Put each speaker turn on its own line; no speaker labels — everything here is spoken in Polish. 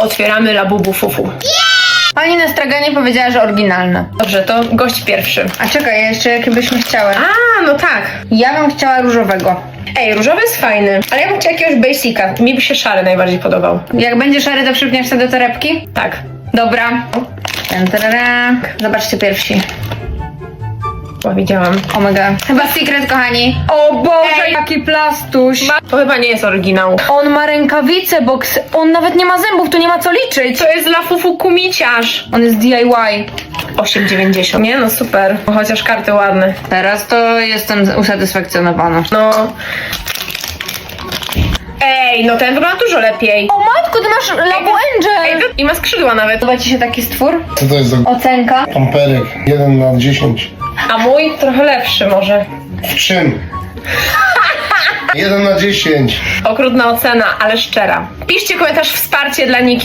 Otwieramy Labubu Fufu.
Pani na straganie powiedziała, że oryginalne.
Dobrze, to gość pierwszy.
A czekaj, jeszcze jakie byśmy chciały?
A, no tak.
Ja bym chciała różowego.
Ej, różowy jest fajny, ale ja bym chciała jakiegoś basica. Mi by się szary najbardziej podobał.
Jak będzie szary, to przypniesz sobie do torebki?
Tak.
Dobra. Zobaczcie pierwsi.
Bo widziałam.
Omega. Chyba secret, kochani. O Boże,
Ej.
jaki plastuś.
To chyba nie jest oryginał.
On ma rękawice, bo on nawet nie ma zębów, tu nie ma co liczyć.
To jest dla Fufu kumiciarz.
On jest DIY.
8,90. Nie no, super. Chociaż karty ładne.
Teraz to jestem usatysfakcjonowana.
No. Ej, no ten wygląda dużo lepiej.
O matko, ty masz Labu
Ej,
Angel.
i ma skrzydła nawet.
Podoba ci się taki stwór?
Co to jest za
Ocenka.
amperek? 1/10.
A mój trochę lepszy może.
W czym? 1/10.
Okrutna ocena, ale szczera. Piszcie komentarz wsparcie dla Niki.